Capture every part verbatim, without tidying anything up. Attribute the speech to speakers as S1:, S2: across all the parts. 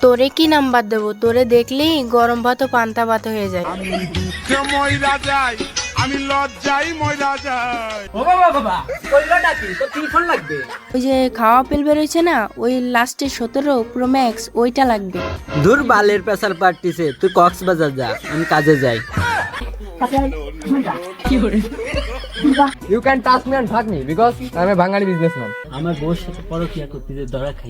S1: তোরে কি নাম্বার দেবো? তোরে দেখলেই গরম ভাত ও পান্তা ভাত হয়ে যায়।
S2: আমি দুঃখে মইরা যাই, আমি লজ্জায় মইরা যাই।
S3: ও বাবা বাবা কইলোটা কি? তো কি ফোন লাগবে?
S1: ওই যে খাওয়া পেল বেরোইছে না, ওই লাস্টে সতেরো প্রো ম্যাক্স ওইটা লাগবে।
S4: দূর বালের পেশার পার্টিছে, তুই কক্সবাজার যা, আমি কাজে যাই।
S3: You can touch me and fuck me because I'm a Bengali businessman.
S4: আমার বউর সাথে পরকিয়া করতে যে ধরা খাই।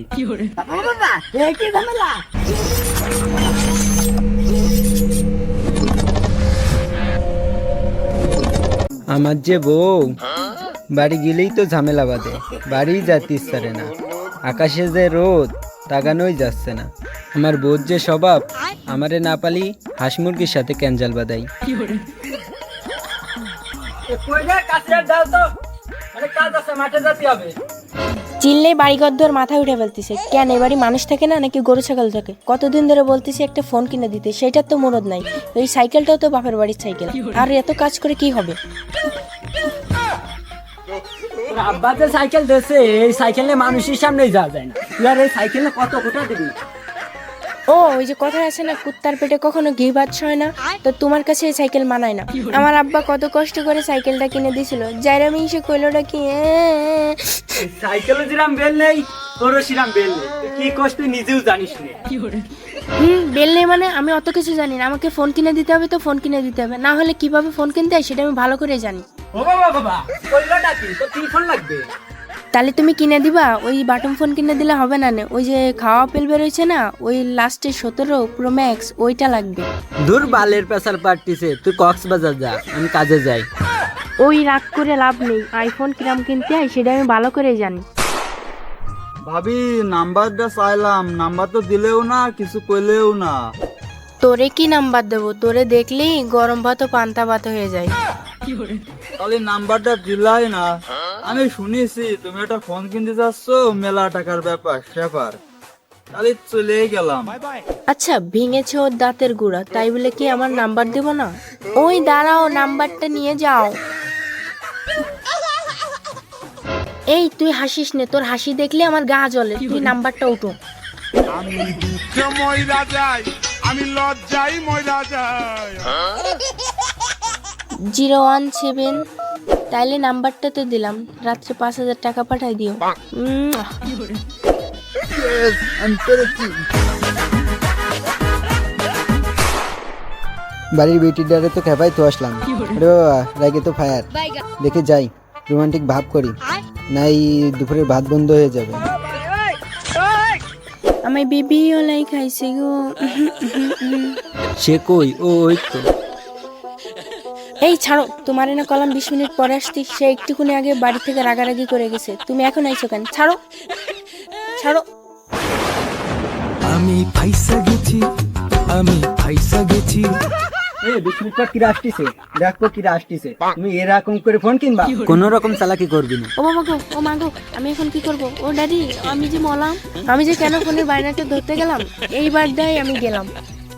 S4: আমার যে বউ বাড়ি গেলেই তো ঝামেলা বাঁধে, বাড়ি যেতে ইচ্ছে না। আকাশে যে রোদ তাকানোই যাচ্ছে না। আমার বউর যে স্বভাব, আমারে না পালি হাঁস মুরগির সাথে ক্যাঞ্জাল বাঁধাই।
S1: চিল্লে বাড়িঘর ধর মাথায় উঠে ফেলতেছে। কেন এ বাড়ি মানুষ থাকে না নাকি গরু ছাগল থাকে? কতদিন ধরে বলতেছি একটা ফোন কিনে দিতে, সেটার তো মুরদ নাই। এই সাইকেলটাও তো বাপের বাড়ির সাইকেল, আর এত কাজ করে কি হবে?
S3: আব্বা যে সাইকেল দিয়েছে, এই সাইকেল নিয়ে মানুষের সামনেই যাওয়া যায় না। তুই আর এই সাইকেল নিয়ে কত কোটা দিবি?
S1: ও ওই যে কথা আছে না, কুত্তার পেটে কখনো ঘি ভাত হয় না, তো তোমার কাছে এই সাইকেল মানায় না। আমার আব্বা কত কষ্ট করে সাইকেলটা কিনে দিছিল, যাইরা মিশে কইলোটা কি
S3: সাইকেলে যেরাম বেল নেই, তোরও সেরাম বেল নেই। তুই কি কষ্ট তুই নিজেও জানিস না।
S1: হুম বেল নেই মানে? আমি অত কিছু জানি না। আমাকে ফোন কিনে দিতে হবে তো ফোন কিনে দিতে হবে, না হলে কিভাবে ফোন কিনতে হয় সেটা আমি ভালো করে জানি।
S3: ও বাবা বাবা কইলোটা কি? তো কি ফোন লাগবে?
S1: তাহলে তুমি কিনে দিবা? ওই বাটন ফোন কিনে দিলে হবে না? ওই যে খাওয়া পেল বেরোইছে না, ওই লাস্টে সতেরো প্রো ম্যাক্স ওইটা লাগবে।
S4: দূর বালের পেশার পার্টিছে, তুই কক্সবাজার যা, আমি কাজে যাই।
S1: ওই রাগ করে লাভ নেই, আইফোন কিরাম কিনতে হয় সেটা আমি ভালো করে জানি।
S5: ভাবি নাম্বারটা চাইলাম, নাম্বার তো দিলেও না, কিছু কইলেও না।
S1: তোরে কি নাম্বার দেবো? তোরে দেখলেই গরম ভাত ও পান্তা ভাত হয়ে যায়।
S5: তাহলে নাম্বারটা দিলাই না। আমি শুনেছি তুমি একটা ফোন কিনতে যাচ্ছ, মেলা টাকার ব্যাপার স্যাপার, তাহলে চলে গেলাম।
S1: আচ্ছা ভেঙেছে ওর দাঁতের গুঁড়া, তাই বলে কি আমার নাম্বার দেবো না? ওই দাঁড়াও, নাম্বারটা নিয়ে যাও। এই তুই হাসিস নে, তোর হাসি দেখলে আমার গা জ্বলে। তুই নাম্বারটা উঠো।
S2: আমি দুঃখে মইরা যাই, আমি লজ্জায় মইরা যাই।
S1: জিরো ওয়ান সেভেন, তাইলে নাম্বারটা তো দিলাম, রাত্রে পাঁচ হাজার টাকা পাঠাই দিও। উম,
S5: আমি পেরেছি।
S4: বাড়ির বেটির ডারে তো খেপাই তো আসলাম। আরে বাবা রাগে তো ফায়ার, দেখে যাই রোমান্টিক ভাব করি, নাই দুপুরের ভাত বন্ধ হয়ে যাবে।
S1: আমার বেবি ওলাই খাইছে গো।
S4: সে কই? ও ওই তো।
S1: এই ছাড়ো, তোমার না কলাম বিশ মিনিট পরে আসতি, সে একটুখানি আগে বাড়ি থেকে রাগারাগি করে গেছে, তুমি এখন আইছো কেন? ছাড়ো ছাড়ো।
S6: আমি ফাইসা গেছি, আমি ফাইসা গেছি।
S3: এই বিশ মিনিট পর কিরা আসতেছে, দেখো কিরা আসতেছে। তুমি এরকম করে ফোন কিনবা?
S4: কোন রকম চালাকি করবি না।
S1: ও বাবা গো, ও মা গো, আমি এখন কি করব? ও ড্যাডি, আমি যে মলাম, আমি যে কেন ফোনের বাইনাটা ধরতে গেলাম, এইবার দেয় আমি গেলাম।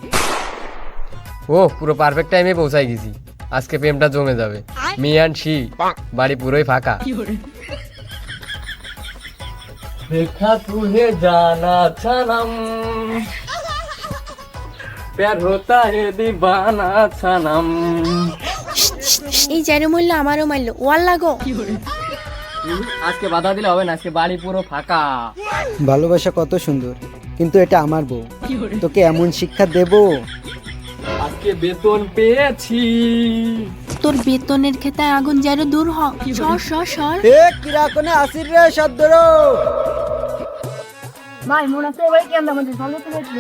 S7: ও পুরো পারফেক্ট টাইমে পৌঁছাই গেছি। আজকে প্রেমটা জমে যাবে। মি অ্যান্ড শি, বাড়ি পুরোই ফাঁকা।
S3: দেখা তুহে জানা ছানাম, প্যার হোতা হে দিবানা ছানাম।
S1: এই চাইরে মরলো, আমারও মারলো, ওয়াল লাগো।
S3: আজকে বাধা দিলে হবে না, আজকে বাড়ি পুরো ফাঁকা।
S4: ভালোবাসা কত সুন্দর, কিন্তু এটা আমার বউ, তোকে এমন শিক্ষা দেব।
S3: আজকে বেতন পেয়েছি।
S1: তোর বেতনের খেতে আগুন যাইরো, দূর হ, সর সর সর।
S4: এ কিরা কোনে আসির রে সদ্দর।
S1: ভাই মনে আছে ভাই কেন আমাদের ভালো তো হয়েছিল।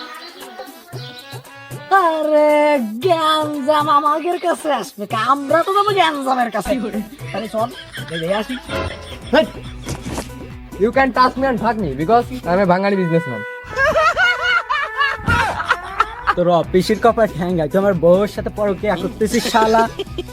S3: আরে গ্যাঞ্জাম আমাদের কাছে আসবে, আমরা তো যাবো গ্যাঞ্জামের কাছে। তাহলে চল দেখে আসি। You can touch me and fuck me because I am a Bangali businessman.
S4: তোর অফিসের কপাল ঠ্যাঙ্গা, তুই আমার বউর সাথে পরকিয়া করতেছিস শালা।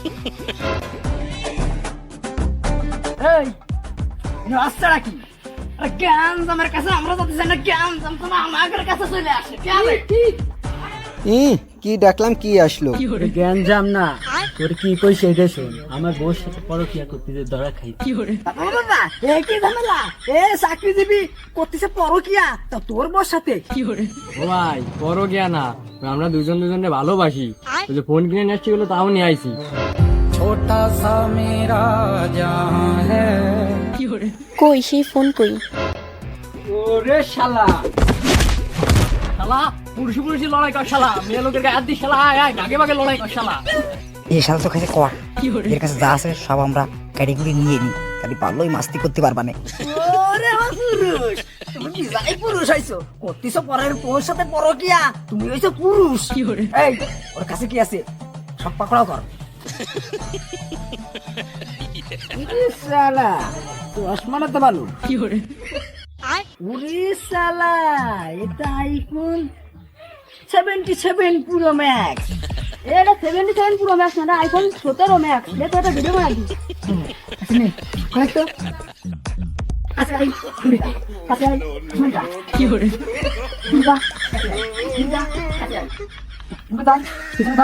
S3: এই রাস্তাটা কি? আরে গ্যাঞ্জামের কাছে আমরা যাতে জানি না, গ্যাঞ্জাম তো আমাদের কাছে চলে আসে।
S4: ই কি ডাকলাম, কি আসলো?
S3: গ্যাঞ্জাম না,
S4: তোর কি কই সেইটা শোন, আমার বউর সাথে পরকিয়া করতে যে ধরা খাই।
S3: বাবা এ কি ঝামেলা, এ চাকরিজীবী করতেছে পরকিয়া তা তোর বর সাথে।
S7: ও ভাই বড় গিয়া না, আমরা দুজন দুজনে ভালোবাসি, ওই যে ফোন কিনে নিয়ে আসছি বলে তাও নিয়ে আইছি।
S6: छोटा सा मेरा जहां है
S1: কই সেই ফোন কই?
S4: ওরে শালা,
S3: শালা পুরুষি পুরুষি লড়াই কর শালা, মেয়ে লোকের গায়ে হাত দিয়ে শালা আয় আয় আগে ভাগে লড়াই কর শালা।
S8: এই শালা তো খাইছে কর, এর কাছে যা আছে সব আমরা ক্যাটেগরি নিয়ে নিই, খালি পারলোই মাস্তি করতে পারবা না।
S3: ওরে আমার পুরুষ, তুমি কি যাই পুরুষ হইছো, করতেছো পরের তোর সাথে পরকিয়া, তুমি হইছো পুরুষ। এই ওর কাছে কি আছে সব পাকড়াও কর। ইরে শালা চশমাটা তো ভালো। উরে শালা এটা আইফোন সেভেন্টি সেভেন পুরো ম্যাক্স।
S9: এটা সেভেন্টি সেভেন পুরো ম্যাক্স না, আইফোন সতেরো ম্যাক্স। এটা একটা ভিডিও বানাই দিই।
S3: কয়েকটা আচ্ছা এই আচ্ছা শুনটা কি করে শুনটা শুনটা আচ্ছা শুনটা শুনটা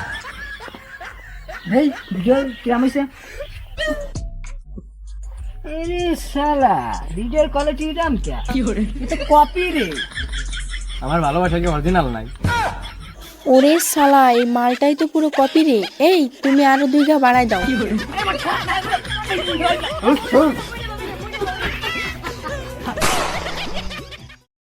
S3: এই ভিডিও কেমন হইছে? আরে শালা ভিডিওর কোয়ালিটি দাম কি করে, এটা কপি রে।
S7: আমার ভালোবাসা কি অরিজিনাল নাই?
S1: ওরে শালা, এই মালটাই তো পুরো কপি রে। এই তুমি আরো দুই ঘা বাড়াই দাও।